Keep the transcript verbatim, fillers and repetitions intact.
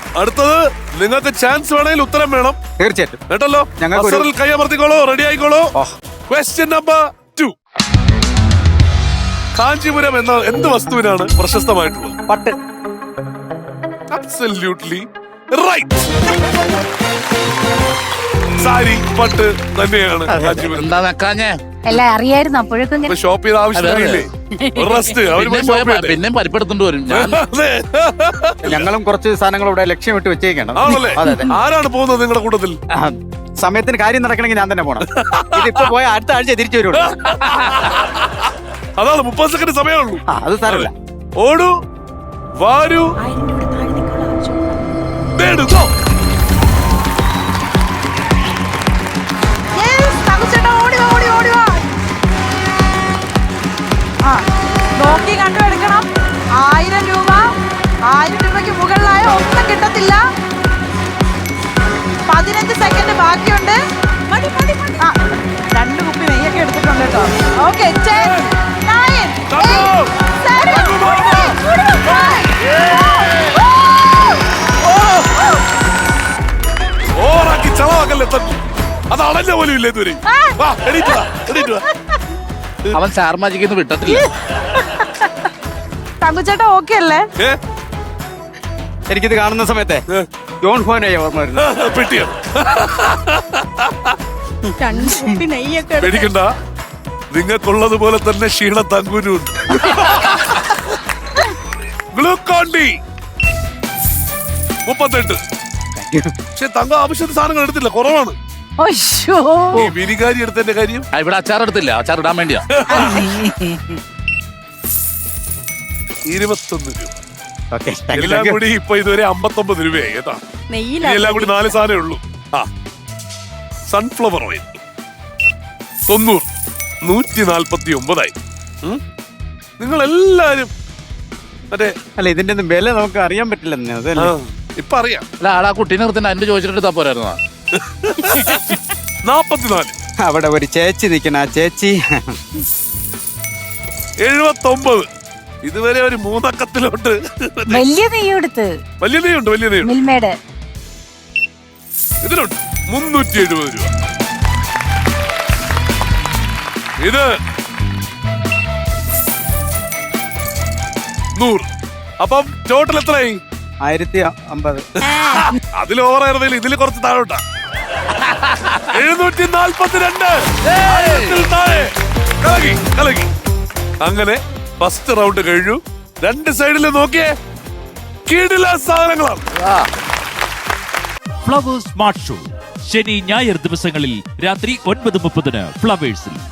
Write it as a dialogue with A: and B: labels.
A: അടുത്തത് നിങ്ങൾക്ക് ചാൻസ് വേണമെങ്കിൽ ഉത്തരം വേണം.
B: തീർച്ചയായിട്ടും
A: കേട്ടല്ലോ.
B: ഞങ്ങൾക്ക്
A: കൈ അമർത്തിക്കോളൂ, റെഡി ആയിക്കോളൂ. Question number two. കാഞ്ചീപുരം എന്ന എന്ത് വസ്തുവിനാണ് പ്രശസ്തമായിട്ടുള്ളത്?
B: പട്ട്.
A: Absolutely right. സാരി, പട്ട് തന്നെയാണ് കാഞ്ചീപുരം.
C: എന്താ വെക്കാഞ്ഞേ?
D: എല്ലാം അറിയായിരുന്നു അപ്പോഴേക്കും.
A: ഷോപ്പ് ചെയ്ത ആവശ്യമില്ലേ? റെസ്റ്റ്
C: പിന്നെ പരിപ്പെടുത്തോണ്ട് വരും.
B: ഞങ്ങളും കുറച്ച് സാധനങ്ങൾ ഇവിടെ ലക്ഷ്യമിട്ട് വെച്ചേക്കണം.
A: ആണല്ലേ? ആരാണ് പോകുന്നത് നിങ്ങളുടെ കൂട്ടത്തിൽ?
B: സമയത്തിന് കാര്യം നടക്കണമെങ്കിൽ ഞാൻ തന്നെ പോണം. ഇതിപ്പോ പോയ അടുത്ത ആഴ്ച തിരിച്ചു വരുള്ളൂ.
A: അതാണ് മുപ്പത് സെക്കൻഡ് സമയമുള്ളൂ.
B: അത് സാരമില്ല.
A: ഓടൂ, വാരൂ, നേടുകോ.
E: നോക്കി കണ്ടു എടുക്കണം. ആയിരം രൂപ, ആയിരം രൂപയ്ക്ക് മുകളിലായ ഒന്നും കിട്ടത്തില്ല. പതിനഞ്ച് സെക്കൻഡ് ബാക്കിയുണ്ട്. ആ, രണ്ട് കുപ്പി നെയ്യൊക്കെ എടുത്തിട്ടുണ്ട് കേട്ടോ. ഓക്കെ,
A: ഓറാക്കി ചളവാക്കല്ലേ തട്ടി. അത് അളഞ്ഞ പോലും ഇല്ല ഇതുവരെ.
C: അവൻ സ്റ്റാർ മാജിക്കിന്ന് വിട്ടത്തില്ല.
E: തങ്കുച്ചേട്ടാ ഓക്കെ അല്ലേ?
B: എനിക്കിത് കാണുന്ന സമയത്തെ ജോൺ ഫോനെ ഓർമ്മ വരുന്നു.
A: പെട്ടിയാണ്.
E: രണ്ട് കുപ്പി നെയ്യൊക്കെ
A: പേടിക്കണ്ട, നിങ്ങൾക്കുള്ളതുപോലെ തന്നെ ക്ഷീണ തങ്കുനുണ്ട്. ഗ്ലൂക്കോൺ ഡി മുപ്പത്തെട്ട്. പക്ഷെ തങ്ക ആവശ്യത്തിന് സാധനങ്ങൾ എടുത്തില്ല, കുറവാണ്. ഈ വിനികാരി എടുത്തതിന്റെ കാര്യം
C: ഇവിടെ അച്ചാർ എടുത്തില്ല, അച്ചാർ ഇടാൻ വേണ്ടിയാ.
A: ഇരുപത്തൊന്ന് രൂപ. എല്ലാം കൂടി ഇപ്പൊ ഇതുവരെ അമ്പത്തൊമ്പത് രൂപയായി. ഏതാ എല്ലാം കൂടി നാല് സാധനമേ ഉള്ളൂ. ആ, സൺഫ്ലവർ ഓയിൽ തൊണ്ണൂറ്, നൂറ്റി നാൽപ്പത്തി ഒമ്പതായി. നിങ്ങൾ എല്ലാരും മറ്റേ
B: അല്ല, ഇതിന്റെ ഒന്നും വില നമുക്ക് അറിയാൻ പറ്റില്ലെന്ന്. അതല്ലേ
A: ഇപ്പൊ അറിയാം.
C: അല്ല, ആളാ കുട്ടീനെ നിർത്തിന് അതിന്റെ ചോദിച്ചിട്ട് പോരായിരുന്നോ?
A: നാപ്പത്തിനാല്.
B: അവിടെ ഒരു ചേച്ചി നിൽക്കണ, ആ ചേച്ചി
A: എഴുപത്തൊമ്പത്. ഇതുവരെ ഒരു മൂന്നക്കത്തിലോട്ട്
D: വലിയ നെയ്യെടുത്ത്.
A: വലിയ നെയ്യുണ്ട്, വലിയ നെയ്യുണ്ട്.
D: മിൽമേഡ്
A: ഇതിലുണ്ട് മുന്നൂറ്റി എഴുപത് രൂപ. ഇത് നൂറ്. അപ്പം ടോട്ടൽ എത്രയായി?
B: ആയിരത്തി അമ്പത്.
A: അതിൽ ഓവറായിരുന്നില്ല, ഇതിൽ കുറച്ച് താഴോട്ടാ. എഴുന്നൂറ്റി നാൽപ്പത്തിരണ്ട്. കലകി കലകി. അങ്ങനെ ഫസ്റ്റ് റൗണ്ട് കഴിഞ്ഞു. രണ്ട് സൈഡിൽ നോക്കിയേ, കീടില സാധനങ്ങളാണ്.
F: ഫ്ലവേഴ്സ് സ്മാർട്ട് ഷോ ശനി ഞായർ ദിവസങ്ങളിൽ രാത്രി ഒൻപത് മുപ്പതിന് ഫ്ലവേഴ്സിൽ.